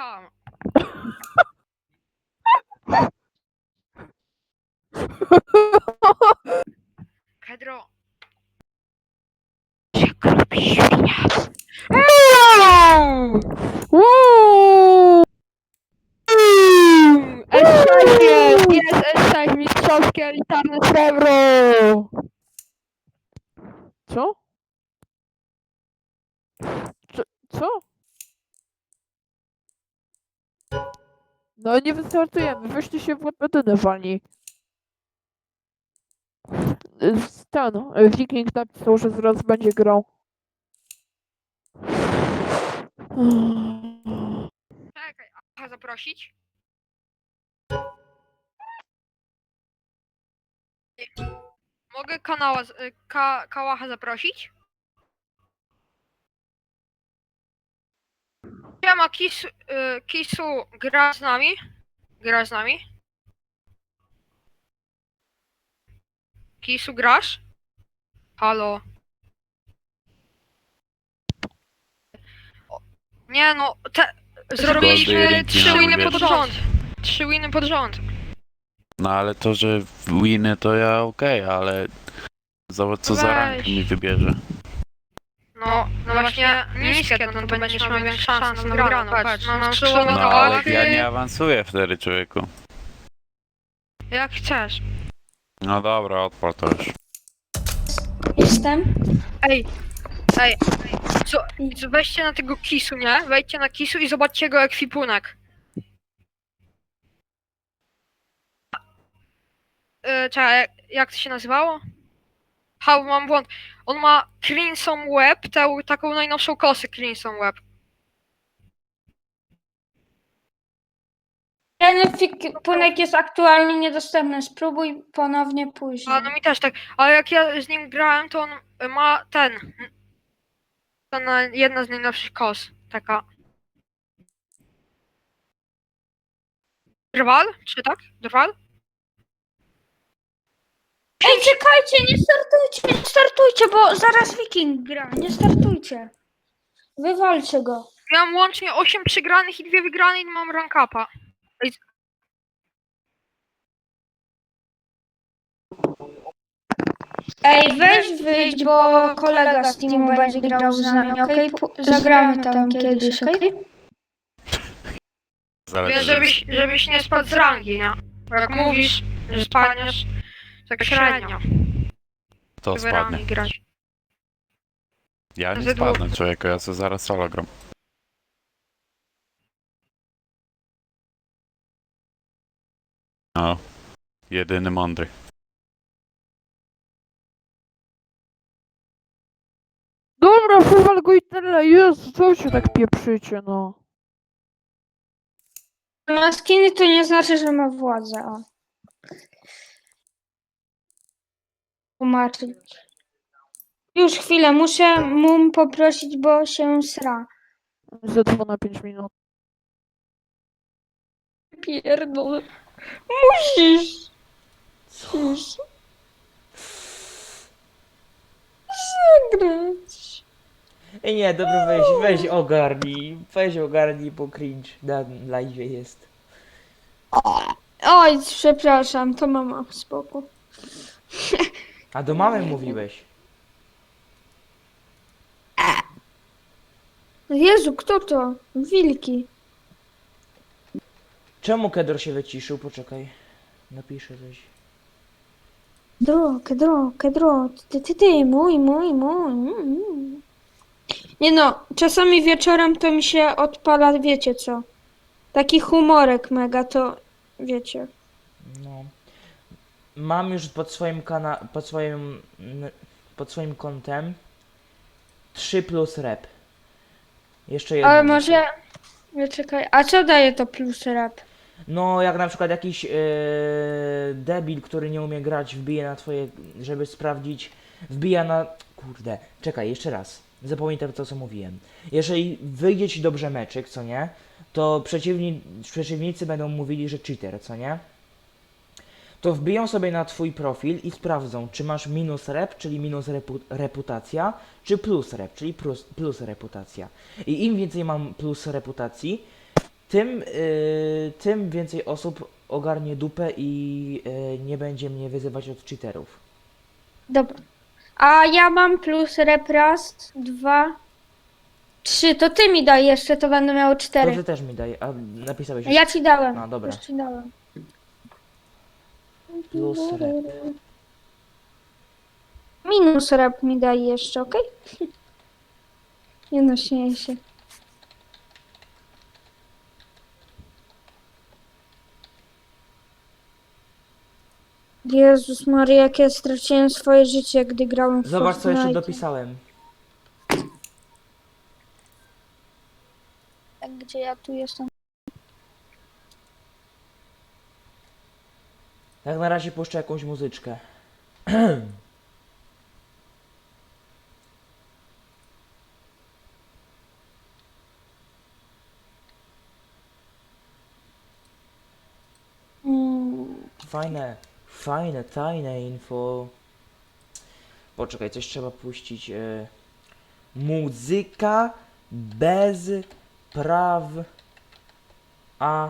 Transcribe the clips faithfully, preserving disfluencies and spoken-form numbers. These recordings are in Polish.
sam. Pedro. Jak lubi świnia. S sześć jest! Jest S sześć, mistrzowskie elitarne srebro! Co? Co? Co? No nie wystartujemy, weźcie się w łapetynę wani. Ten, Wiking napisał, że zaraz będzie grał. Czekaj, aha, zaprosić? Mogę kanała, z- y, ka, Kałacha zaprosić? Siema, Kisu, y, Kisu, gra z nami? Gra z nami? Kisu, grasz? Halo? O, nie no, te, zrobiliśmy Goldy trzy Rinki winy na pod wierzchu. rząd. Trzy winy pod rząd. No ale to, że winy to ja okej, ale zobacz co za rank Weź. mi wybierze. No, no właśnie niskie, no to będziesz miał większe szanse na wygraną, patrz, no nam skrzydło No na ale kołachy. ja nie awansuję wtedy, człowieku. Jak chcesz. No dobra, odpal to już. Jestem. Ej, ej, co, co, weźcie na tego Kisu, nie? Wejdźcie na Kisu i zobaczcie jego ekwipunek. Yy, czekaj, jak, jak to się nazywało? Ha, mam błąd. On ma Crimson Web, tę taką najnowszą kosę Crimson Web. Ten ekwipunek jest aktualnie niedostępny. Spróbuj ponownie A później. no mi też tak, ale jak ja z nim grałem, to on ma ten. Ten e, jedna z najnowszych kos, taka. Drwal? Czy tak? Drwal? Ej, czekajcie, nie startujcie, nie startujcie, bo zaraz Wiking gra. Nie startujcie. Wywalcie go. Ja mam łącznie osiem przegranych i dwie wygrane i mam rank upa. Ej, Ej, weź wyjdź, bo kolega z teamu będzie grał z nami, okej? Pu- Zagramy tam kiedyś, okej? Wiesz, Zależy. żebyś, żebyś nie spadł z rangi, nie? Bo jak mówisz, że spadniesz, tak średnio. To Żeby rangi spadnie. grać. Ja nie Ze dwóch. spadnę, człowieku, ja sobie zaraz solo gram. No, jedyny mądry. Dobra, wywal go i tyle, Jezu, co się tak pieprzycie, no. Ma skiny to nie znaczy, że ma władzę. O. Tłumaczyć. Już chwilę, muszę mu poprosić, bo się sra. Ze dwa na pięć minut. Pierdolę. Musisz. Musisz. Zagrać. Ej, nie, dobra, weź, weź ogarnij, weź ogarnij, bo cringe na live jest. Oj, przepraszam, to mama, spoko. A do mamy mówiłeś. Jezu, kto to? Wilki. Czemu Kedor się wyciszył? Poczekaj, napiszę coś. Kedro, kedro, kedro, ty, ty, ty, mój, mój, mój. Mm. Nie no, czasami wieczorem to mi się odpala, wiecie co? Taki humorek mega, to wiecie. No. Mam już pod swoim kana... pod swoim... n- pod swoim kontem trzy plus rep. Jeszcze jedno. Ale muszę. może... Nie, czekaj, a co daje to plus rap? No, jak na przykład jakiś yy, debil, który nie umie grać, wbije na twoje, żeby sprawdzić, wbija na... Kurde, czekaj, jeszcze raz. Zapamiętam to, co mówiłem. Jeżeli wyjdzie ci dobrze meczyk, co nie, to przeciwni, przeciwnicy będą mówili, że cheater, co nie? To wbiją sobie na twój profil i sprawdzą, czy masz minus rep, czyli minus repu reputacja, czy plus rep, czyli plus, plus reputacja. I im więcej mam plus reputacji, tym, y, tym więcej osób ogarnie dupę i y, nie będzie mnie wyzywać od cheaterów. Dobra. A ja mam plus rep raz, dwa, trzy. To ty mi daj jeszcze, to będę miał To cztery. ty też mi daj, a napisałeś Ja ci dałem. No, dobra. Już ci dałem. plus rep. Minus rep mi daj jeszcze, okej? Nie no, śmieję się. Jezus Maria, jak ja straciłem swoje życie, gdy grałem w Zobacz co jeszcze Fortnite. dopisałem. Gdzie ja tu jestem? Jak na razie puszczę jakąś muzyczkę. Mm, Fajne, fajne, tajne info. Poczekaj, coś trzeba puścić. E, muzyka bez praw a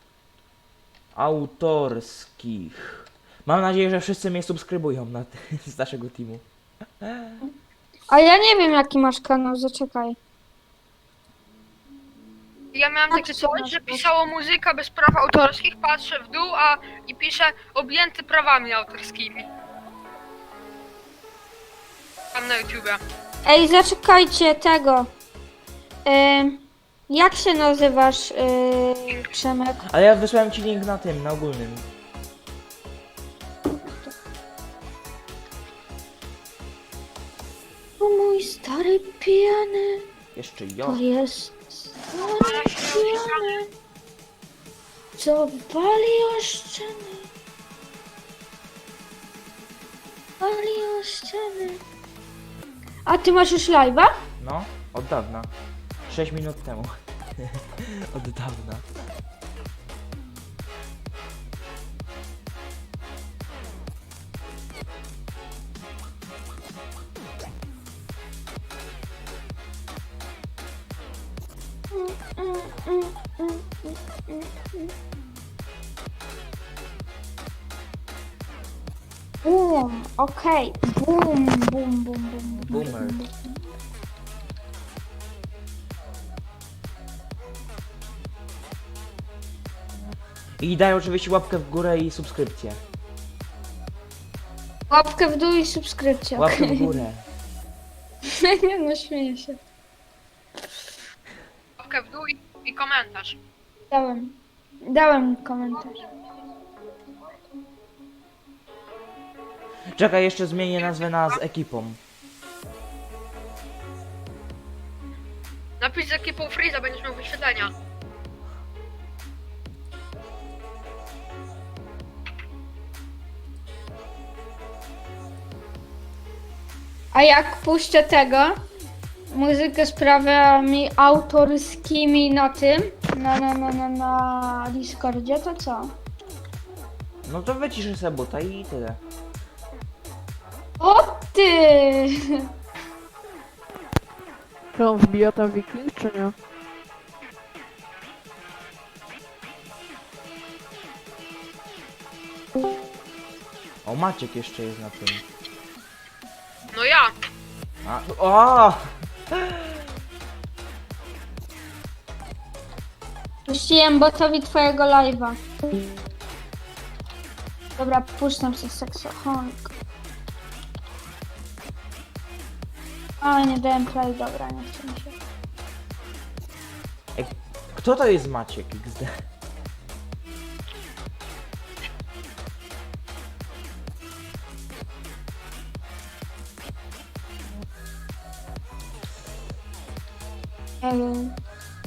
autorskich. Mam nadzieję, że wszyscy mnie subskrybują na z naszego teamu. A ja nie wiem, jaki masz kanał, zaczekaj. Ja miałem takie co coś, masz, że no? pisało muzyka bez praw autorskich, patrzę w dół, a i pisze objęty prawami autorskimi. Tam na YouTubie. Ej, zaczekajcie tego. Ym, jak się nazywasz, yy, Przemek? Ale ja wysłałem ci link na tym, na ogólnym. O mój stary pijany, Jeszcze jo. to jest stary pijany, co wali o ściany. Wali o ściany. A ty masz już live'a? No, od dawna. sześć minut temu. Od dawna. Boom, okej. Boom, boom, boom, boom. Boomer. I daj oczywiście łapkę w górę i subskrypcję. Łapkę w dół i subskrypcja. Łapkę okej. w górę. Nie no, śmieję się. Łapkę w dół i, i komentarz. Dałem. Dałem komentarz. Czekaj, jeszcze zmienię nazwę na z ekipą. Napisz z ekipą Freeza, będziesz miał wyświetlenia. A jak puszczę tego, muzykę z prawami autorskimi na tym, na, na, na, na, na Discordzie, to co? No to wyciszę sobie buta i tyle. O ty! Czy on wbija tam wiking, czy nie? O, Maciek jeszcze jest na tym. No ja. A, o! Puściłem botowi twojego live'a. Dobra, puszczam sobie seksohonik. A, nie dałem play, dobra, nie chcę mi się. Ej, kto to jest Maciek X D? Ej,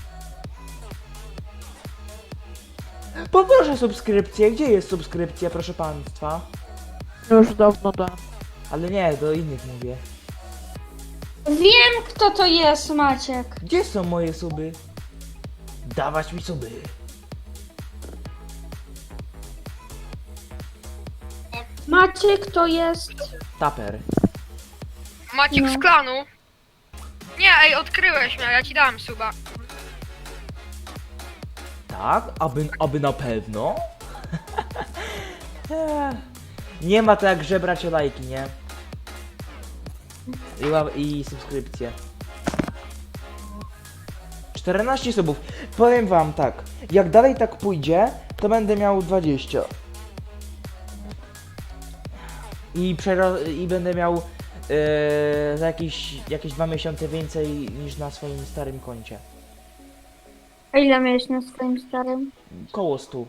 Poproszę subskrypcję. Gdzie jest subskrypcja, proszę państwa? Już dawno dałem. Ale nie, do innych mówię. wiem, kto to jest, Maciek. Gdzie są moje suby? Dawać mi suby. Maciek to jest... Taper. Maciek No. z klanu. Nie, ej, odkryłeś mnie, ja ci dałem suba. Tak? Aby, aby na pewno? Nie ma to jak żebrać o lajki, nie? I, ła- i subskrypcje. czternaście subów. Powiem wam tak, jak dalej tak pójdzie, to będę miał dwadzieścia. I, przero- i będę miał yy, za jakieś, jakieś dwa miesiące więcej niż na swoim starym koncie. A ile miałeś na swoim starym? Koło stu.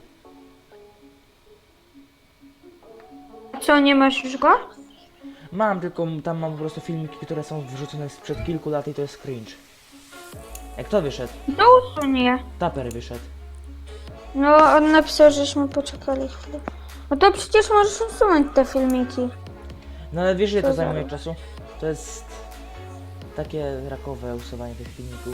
Co, nie masz już go? Mam, tylko tam mam po prostu filmiki, które są wrzucone sprzed kilku lat i to jest cringe. Jak to wyszedł? To usuń je. Taper wyszedł. No, on napisał, żeśmy poczekali chwilę. No to przecież możesz usunąć te filmiki. No ale wiesz ile to Co za- zajmuje czasu? To jest takie rakowe usuwanie tych filmików.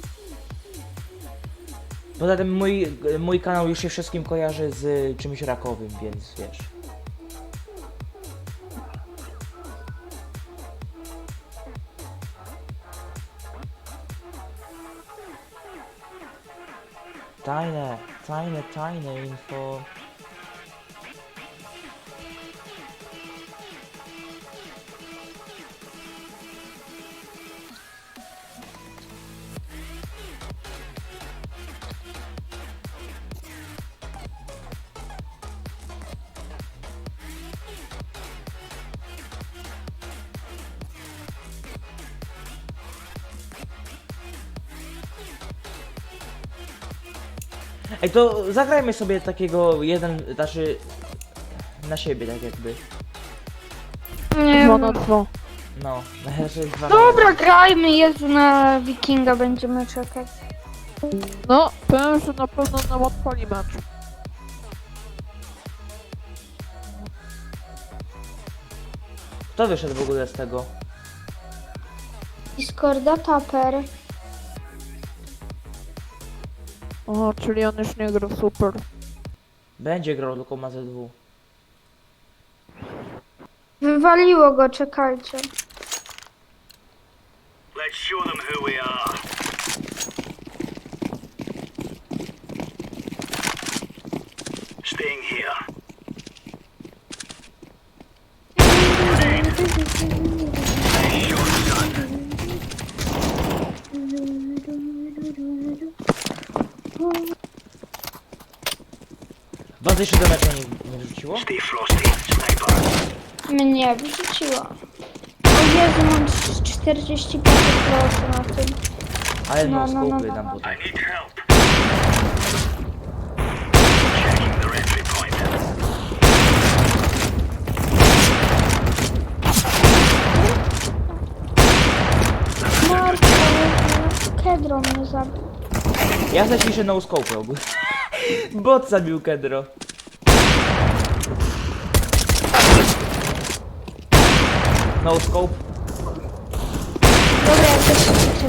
Poza tym mój, mój kanał już się wszystkim kojarzy z czymś rakowym, więc wiesz. Tajne, tajne, tajne info. Ej, to zagrajmy sobie takiego jeden, znaczy na siebie tak jakby. Nie Dwa wiem. na dwa. No, znaczy dwa na Dobra, grajmy, Jezu, na Wikinga będziemy czekać. No, powiem, że na pewno nam odpali mecz. Kto wyszedł w ogóle z tego? Discorda, Taper. O, czyli on już nie gra, super. Będzie grał tylko ma Z W. Wywaliło go, czekajcie. Let's show them who we are. Staying here. Was jeszcze do meczu nie, nie wrzuciło? Stay frosty, sniper. Mnie wyrzuciło. O Jezu, mam czterdzieści pięć procent na tym. Ale no, No, no, no, skopy no, nam no. potem. I need help. Checking the entry point. Marko, Kedro mnie zabił. Ja zaciszę no scope ogólnie. Bot zabił Kedro. No scope. Dobra, ja też chcę.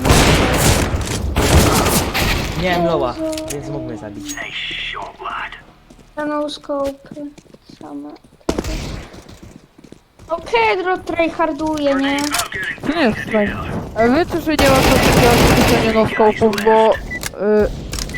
Nie wiem loła, więc mógł mnie zabić. Nice shot, lad. No scope. Same. O, Kedro tryharduje, nie? To nie jest fajne. A wiecie, że nie ma co takiego ćwiczenia no-scope'ów, bo... Yy,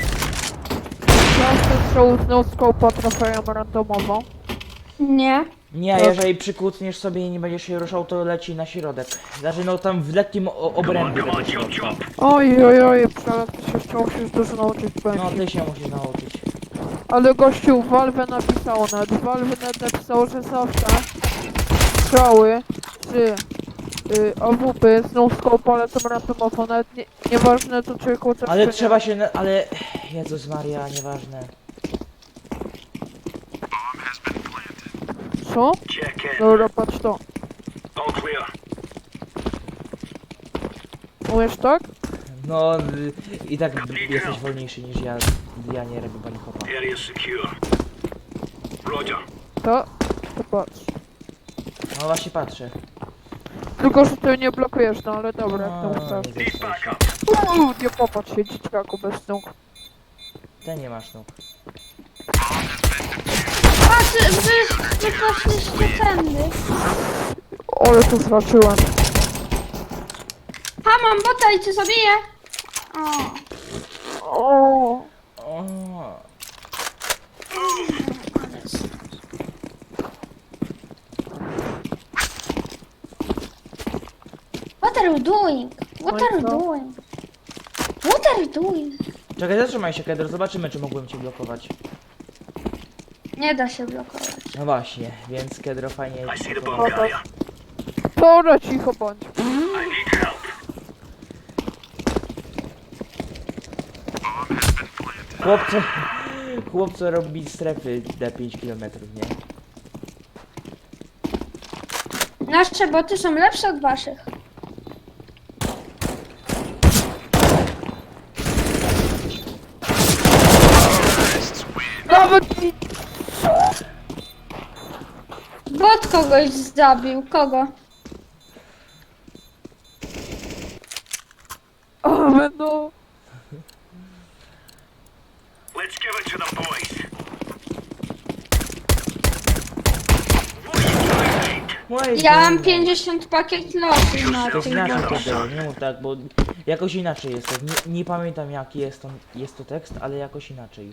Każdy strzał z no-scope'a trafiają randomowo. Nie. Nie, jeżeli przykucniesz sobie i nie będziesz się ruszał, to leci na środek. Znaczy no tam w lekkim o- obrębie Come on, tego chop środka. chop. Oj, oj, oj, ale ty się jeszcze musisz dużo nauczyć No będzie. ty się musisz nauczyć. Ale gościu, Valve napisało nawet, Valve nawet napisało, że zawsze strzały czy y, A W P z no-scope'a lecą randomowo, nawet nie, nieważne to czy kłócę Ale trzeba się, na- ale... Jezus Maria, nieważne. Co? Check in. Dobra, patrz to. All clear. Umiesz tak? No y, i tak jesteś wolniejszy niż ja. Ja nie robię bunny hopa. Area secure. Roger. To? To patrz. No właśnie patrzę. Tylko, że ty nie blokujesz, no ale dobra, jak to No, chcesz. nie Need wiesz, backup. Uuu, nie popatrz się, dzieciaku bez nóg. Ty nie masz nóg. A, ty, wy, wy poszliście tędy. Ale tu zraczyłem. Ha, mam bota i cię zabiję. O. O, O. What are you doing? What are you No. doing? What are you doing? Czekaj, zatrzymaj się, Kedro, zobaczymy, czy mogłem cię blokować. Nie da się blokować. No właśnie, więc Kedro fajnie... I see the bomb carrier. Dobra, cicho bądź. I need help. Chłopco... Chłopco robi strefy na pięć kilometrów, nie? Nasze boty są lepsze od waszych. Nawet mi... Bot kogoś zabił. Kogo? Ale no... Let's give it to the boys. What are you doing, mate? Moje Ja mam Boże. pięćdziesiąt pakiet losu na To jest tych inaczej, botach. Kedro, nie mów tak, bo jakoś inaczej jest to. Nie, nie pamiętam jaki jest to, jest to tekst, ale jakoś inaczej.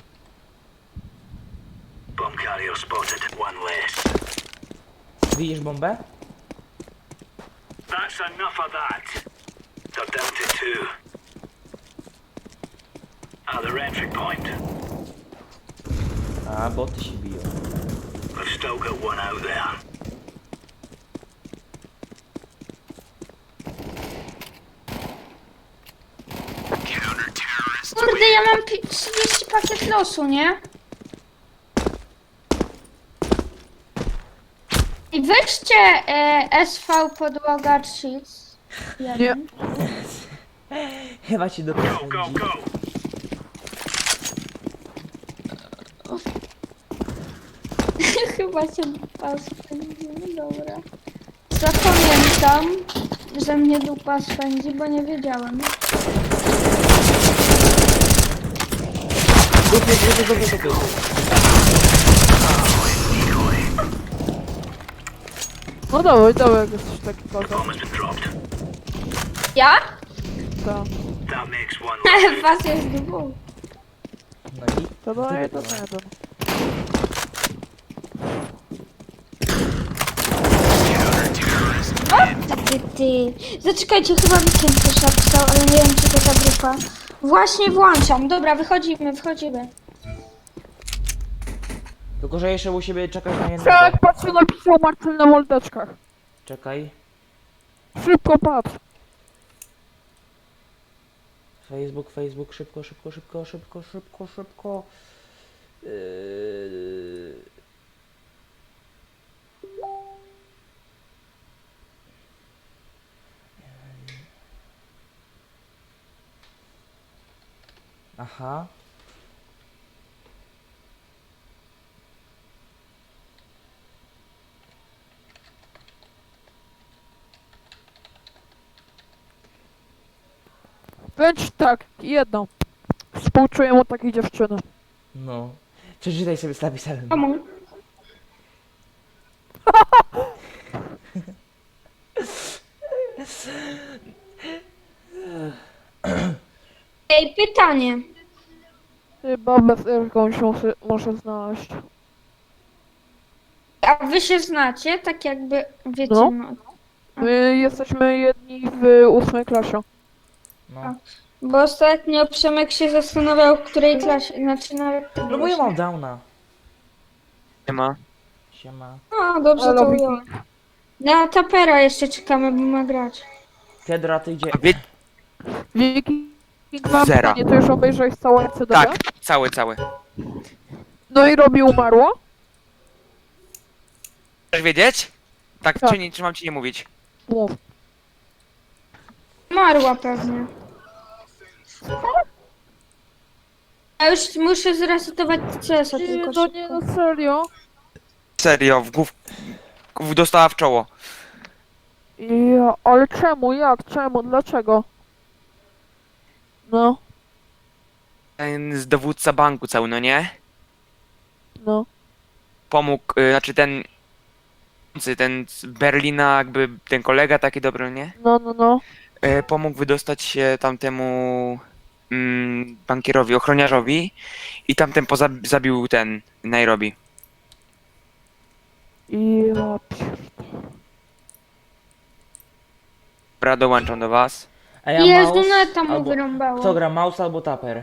Bomb carrier spotted. One less. Widzisz bombę? That's enough of that. They're down to two. Other entry point. A, boty się biją. I've still got one out there. Kurde, ja mam pi- trzydzieści pakiet losu, nie? I weźcie e, S V podłoga cheats. Nie. Chyba ci do Go, go, go. Chyba się dupa spędzi, no dobra. Zapamiętam, że mnie dupa spędzi, bo nie wiedziałem. Dupy, dupy, dupy, dupy. No dawaj, dawaj, jak jesteś taki kozak. Bomb has been dropped. Ja? Tak. That makes one less. Was jest dwóch. No i... To daje to Dupy, jeden. Ty, ty, ty. Zaczekajcie, chyba Wikiem coś napisał, ale nie wiem, czy to ta grupa. Właśnie włączam. Dobra, wychodzimy, wychodzimy. Tylko, że jeszcze u siebie czekać na jednego. Tak, patrz co napisał Marcel na moldeczkach. Czekaj. Szybko patrz. Facebook, Facebook, szybko, szybko, szybko, szybko, szybko, szybko. Yy... Aha. Więc tak, jedno. Współczuję mu takiej dziewczyny. No. Przeczytaj sobie z napisem. Komu? Ej, pytanie. Chyba bez jakąś muszę, muszę znaleźć. A wy się znacie? Tak jakby, wiecie, No. no. My jesteśmy jedni w ósmej klasie. No. Bo ostatnio Przemek się zastanawiał, w której klasie, znaczy na... No bo ja mam downa. Nie ma. Siema. No, dobrze Ale to Wiki- ująłem. Na Tapera jeszcze czekamy, bo ma grać. Kedra, ty idzie... A wie... Wiki, mam Zera. pytanie, ty już obejrzałeś całe C D? Tak, cały, cały. No i Robi umarła? Chcesz wiedzieć? Tak, Tak. czy, nie, czy mam ci nie mówić? Mów. Marła pewnie. Ja już muszę zresetować C S a Nie, tylko no nie, szybko. no serio. Serio, w głów... w- dostała w czoło. Ja, ale czemu, jak, czemu, dlaczego? No, Ten z dowódca banku cały, no nie? no. Pomógł, y, znaczy ten... ten z Berlina, jakby ten kolega taki dobry, nie? No, no, no. Y, pomógł wydostać się tamtemu... mm, bankierowi, ochroniarzowi i tamten poza zabił ten Nairobi. I ja pier- Dobra, dołączam do was. A ja Jezu, mouse, neta mu albo... wyrąbało. Kto gra, mouse albo taper?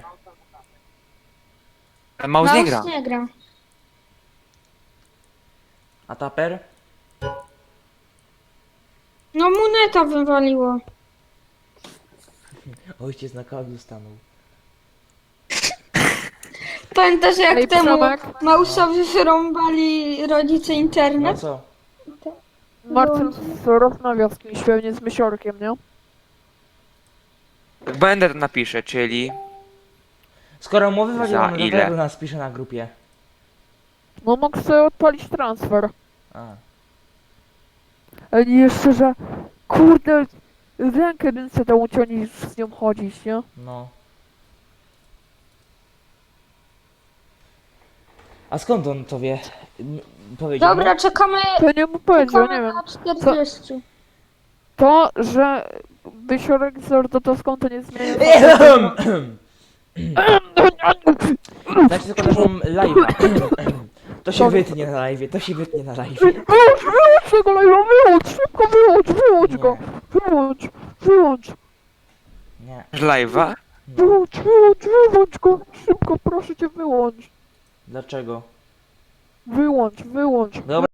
Ale Mouse nie gra. nie gra. A taper? No mu neta wywaliło. Ojciec na kablu stanął. Pamiętasz jak Ej, temu Przemek? Mausowi wyrąbali rodzice No internet? co? Marcel rozmawia z kimś, pewnie z Mysiorkiem, nie? Będę to napiszę, czyli Skoro mu wywaliło, Za to ile? dlaczego nas pisze na grupie? No mógł sobie odpalić transfer. A. Ale nie jeszcze, że kurde, rękę bym sobie dał uciąć niż z nią chodzić, nie? No. A skąd on to wie? M- Powiedział Dobra, mu? czekamy, To nie mu powiedział, nie czekamy wiem. na czterdzieści. To, że Mysiorek z Ordotowską to nie zmienia. Znaczy tylko naszą live'a. To się wytnie na live'ie, to się wytnie na live'ie. Wyłącz, wyłącz tego live'a, wyłącz, szybko wyłącz, wyłącz go! Nie. Wyłącz, wyłącz, Nie. live'a. No. wyłącz, wyłącz, wyłącz go! Szybko, proszę cię, wyłącz. Dlaczego? Wyłącz, wyłącz. Dobra.